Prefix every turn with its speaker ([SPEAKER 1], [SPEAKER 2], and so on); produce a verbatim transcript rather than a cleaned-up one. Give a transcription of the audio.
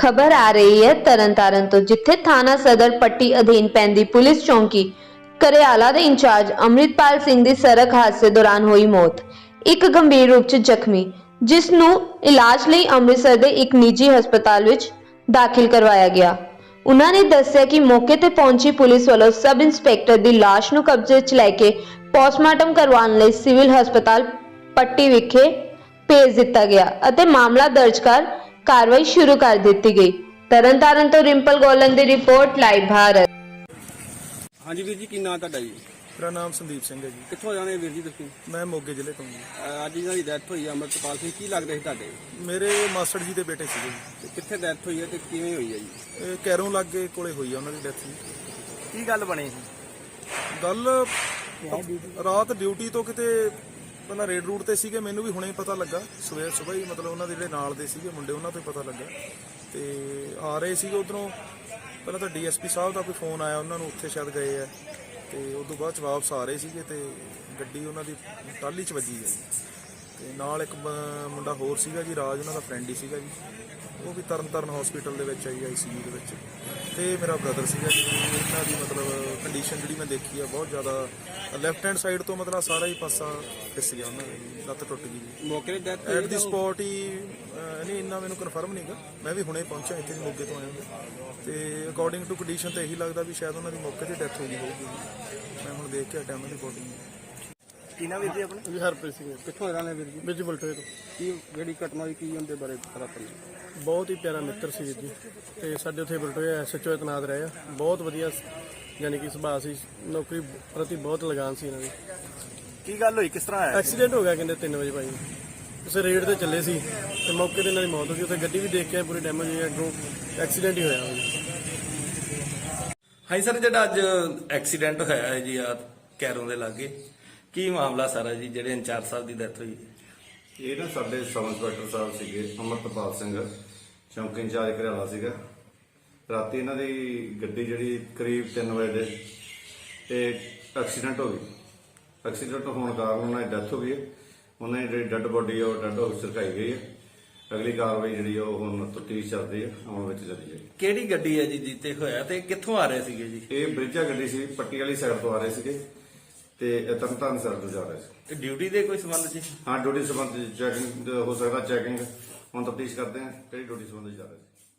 [SPEAKER 1] खबर आ रही है तरनतारन तो जिथे थाना सदर पट्टी अधीन पैंदी पुलिस चौकी करियाला दे इंचार्ज अमृतपाल सिंह दी सड़क हादसे दौरान हुई मौत। एक गंभीर रूप च जख्मी जिस नूं इलाज लई अमृतसर दे एक निजी हस्पताल विच दाखिल करवाया गया। उन्हां ने दस्सिया कि मौके ते पहुंची पुलिस वालों सब इंस्पैक्टर दी लाश नूं कब्जे च लैके पोस्टमार्टम करवाउण लई सिविल हस्पताल पट्टी विखे भेज दिता गया अते मामला दर्ज कर कार्रवाई शुरू कर दी गई। तरनतारन तो रिंपल गोलन की रिपोर्ट लाइव भारत।
[SPEAKER 2] हाँ जी वीर जी की नाम तुहाडा जी?
[SPEAKER 3] मेरा नाम संदीप सिंह है जी।
[SPEAKER 2] कित्थों जाने वीर जी तुसीं?
[SPEAKER 3] मैं मोगे जिले तो हूँ।
[SPEAKER 2] अज इन्हां दी डैथ होई अमृतपाल सिंह की लगदे सी तुहाडे?
[SPEAKER 3] मेरे मास्टर जी के बेटे सीगे जी।
[SPEAKER 2] ते कित्थे डैथ होई है ते किवें होई है जी?
[SPEAKER 3] ਇਹ ਕੈਰੋਂ ਲਾਗੇ ਕੋਲੇ ਹੋਈ ਆ ਉਹਨਾਂ ਦੀ ਡੈਥ ਜੀ।
[SPEAKER 2] की गल बनी सी?
[SPEAKER 3] ਗੱਲ ਰਾਤ ਡਿਊਟੀ ਤੋਂ ਕਿਤੇ ਪਹਿਲਾਂ ਰੇਡ ਰੂਟ ਤੇ ਸੀਗੇ, ਮੈਨੂੰ ਵੀ ਹੁਣੇ ਹੀ ਪਤਾ ਲੱਗਾ ਸਵੇਰ ਸਵੇਰ ਹੀ, ਮਤਲਬ ਉਹਨਾਂ ਦੇ ਜਿਹੜੇ ਨਾਲ ਦੇ ਸੀਗੇ ਮੁੰਡੇ ਉਹਨਾਂ ਤੋਂ ਹੀ ਪਤਾ ਲੱਗਾ ਤੇ ਆ ਰਹੇ ਸੀਗੇ ਉਧਰੋਂ। ਪਹਿਲਾਂ ਤਾਂ ਡੀਐਸਪੀ ਸਾਹਿਬ ਦਾ ਕੋਈ ਫੋਨ ਆਇਆ, ਉਹਨਾਂ ਨੂੰ ਉੱਥੇ ਸ਼ਾਇਦ ਗਏ ਆ ਤੇ ਉਸ ਤੋਂ ਬਾਅਦ ਚ ਵਾਪਸ ਆ ਰਹੇ ਸੀਗੇ ਤੇ ਗੱਡੀ ਉਹਨਾਂ ਦੀ ਟਾਲੀ ਚ ਵੱਜੀ ਹੈ ਤੇ ਨਾਲ ਇੱਕ ਬ- ਮੁੰਡਾ ਹੋਰ ਸੀਗਾ ਜੀ, ਰਾਜ ਉਹਨਾਂ ਦਾ ਫਰੈਂਡ ਹੀ ਸੀਗਾ ਜੀ, ਉਹ ਵੀ ਤਰਨਤਾਰਨ ਹਸਪੀਟਲ ਦੇ ਵਿੱਚ ਆਈ ਆਈਸੀਯੂ ਦੇ ਵਿੱਚ। ਤੇ ਮੇਰਾ ਬ੍ਰਦਰ ਸੀਗਾ ਜੀ, ਇਹਨਾਂ ਦੀ ਮਤਲਬ ਕੰਡੀਸ਼ਨ ਜਿਹੜੀ ਮੈਂ ਦੇਖੀ ਆ ਬਹੁਤ ਜ਼ਿਆਦਾ, ਲੈਫਟ ਹੈਂਡ ਸਾਈਡ ਤੋਂ ਮਤਲਬ ਸਾਰਾ ਹੀ ਪਾਸਾ ਫਿਸ ਗਿਆ ਉਹਨਾਂ ਦਾ ਜੀ, ਲੱਤ ਟੁੱਟ ਗਈ ਜੀ
[SPEAKER 2] मौके ते डेथ
[SPEAKER 3] ਐਟ ਦੀ ਸਪੌਟ ਹੀ। ਅਹ ਨਹੀਂ ਇੰਨਾ ਮੈਨੂੰ ਕਨਫਰਮ ਨਹੀਂਗਾ, ਮੈਂ ਵੀ ਹੁਣੇ ਪਹੁੰਚਿਆ ਇੱਥੇ ਜੀ, ਮੋਗੇ ਤੋਂ ਆਇਆ ਤੇ ਅਕੋਰਡਿੰਗ ਟੂ ਕੰਡੀਸ਼ਨ ਤਾਂ ਇਹੀ ਲੱਗਦਾ ਵੀ ਸ਼ਾਇਦ ਉਹਨਾਂ ਦੀ ਮੌਕੇ ਤੇ ਡੈਥ ਹੋ ਗਈ ਹੋਊਗੀ। ਮੈਂ ਹੁਣ ਦੇਖ ਕੇ ਹਟਿਆ ਉਹਨਾਂ ਦੀ ਬੋਡੀ।
[SPEAKER 2] की नाम वीर जी अपने?
[SPEAKER 3] ਜੀ ਹਰਪ੍ਰੀਤ ਸਿੰਘ
[SPEAKER 2] कित्थों जाने वीर जी?
[SPEAKER 3] ਵਿੱਚ ਬਲਟੋਏ ਤੋਂ।
[SPEAKER 2] की जेहड़ी घटना होई की उनके बारे पता पड़ा?
[SPEAKER 3] ਬਹੁਤ ਹੀ ਪਿਆਰਾ ਮਿੱਤਰ ਸੀ ਵੀਰ ਜੀ ਤੇ ਸਾਡੇ ਉੱਥੇ ਬਲਟੋਏ ਐਸਐਚਓ ਤੈਨਾਤ ਰਹੇ ਆ, ਬਹੁਤ ਵਧੀਆ ਯਾਨੀ ਕਿ ਸੁਭਾਅ ਸੀ, ਨੌਕਰੀ ਪ੍ਰਤੀ ਬਹੁਤ ਲਗਾਨ ਸੀ ਇਹਨਾਂ ਦੀ।
[SPEAKER 2] की गल होई किस तरह
[SPEAKER 3] ਐਕਸੀਡੈਂਟ ਹੋ ਗਿਆ ਕਹਿੰਦੇ ਤਿੰਨ ਵਜੇ ਭਾਈ, ਉਸੇ ਰੇਡ ਤੇ ਚੱਲੇ ਸੀ ਤੇ ਮੌਕੇ ਤੇ ਇਹਨਾਂ ਦੀ ਮੌਤ ਹੋ ਗਈ। ਉੱਥੇ ਗੱਡੀ ਵੀ ਦੇਖ ਕੇ ਆਏ, ਪੂਰੀ ਡੈਮੇਜ ਹੋਈ, ਅੱਗੋਂ ਐਕਸੀਡੈਂਟ ਹੀ ਹੋਇਆ ਜੀ।
[SPEAKER 4] ਹਾਂਜੀ ਸਰ, ਜਿਹੜਾ ਅੱਜ ਐਕਸੀਡੈਂਟ ਹੋਇਆ ਹੈ ਜੀ ਆ ਕੈਰੋਂ ਦੇ ਲਾਗੇ, ਕੀ ਮਾਮਲਾ ਸਾਰਾ ਜੀ ਜਿਹੜੇ ਇੰਚਾਰਜ ਸਾਹਿਬ ਦੀ ਡੈਥ ਹੋਈ?
[SPEAKER 5] ਇਹ ਨਾ ਸਾਡੇ ਸਬ ਇੰਸਪੈਕਟਰ ਸਾਹਿਬ ਸੀਗੇ ਅਮਰਤਪਾਲ ਸਿੰਘ, ਚੌਂਕੀ ਇੰਚਾਰਜ ਘਰਿਆਲਾ ਸੀਗਾ। ਰਾਤੀ ਇਹਨਾਂ ਦੀ ਗੱਡੀ ਜਿਹੜੀ ਕਰੀਬ ਤਿੰਨ ਵਜੇ ਦੇ ਤੇ ਐਕਸੀਡੈਂਟ ਹੋ ਗਈ। ਐਕਸੀਡੈਂਟ ਹੋਣ ਕਾਰਨ ਉਹਨਾਂ ਦੀ ਡੈਥ ਹੋ ਗਈ ਹੈ। ਉਹਨਾਂ ਦੀ ਜਿਹੜੀ ਡੈੱਡ ਬੋਡੀ ਆ ਉਹ ਡੈੱਡ ਹਾਊਸ ਰਖਾਈ ਗਈ ਹੈ। ਅਗਲੀ ਕਾਰਵਾਈ ਜਿਹੜੀ ਆ ਉਹ ਹੁਣ ਤਫਤੀਸ਼ ਚੱਲਦੀ ਹੈ, ਅਮਲ ਵਿੱਚ ਚੱਲੀ ਜਾਏਗੀ।
[SPEAKER 4] ਕਿਹੜੀ ਗੱਡੀ ਹੈ ਜੀ ਜਿੱਤੇ ਹੋਇਆ ਤੇ ਕਿੱਥੋਂ ਆ ਰਹੇ ਸੀਗੇ ਜੀ?
[SPEAKER 5] ਇਹ ਬ੍ਰਿਜਾ ਗੱਡੀ ਸੀ, ਪੱਟੀ ਵਾਲੀ ਸਾਈਡ ਤੋਂ ਆ ਰਹੇ ਸੀਗੇ ਤੇ ਇਹ ਤਰਨਤਾਰਨ ਸਾਈਡ ਤੋਂ ਜਾ ਰਹੇ ਸੀ।
[SPEAKER 4] ਤੇ ਡਿਊਟੀ ਦੇ ਕੋਈ ਸੰਬੰਧ ਸੀ?
[SPEAKER 5] ਹਾਂ, ਡਿਊਟੀ ਸੰਬੰਧੀ ਚੈਕਿੰਗ ਹੋ ਸਕਦਾ, ਚੈਕਿੰਗ ਹੁਣ ਤਫਤੀਸ਼ ਕਰਦੇ ਹਾਂ ਕਿਹੜੀ ਡਿਊਟੀ ਸੰਬੰਧੀ ਜਾ ਰਹੇ ਸੀ।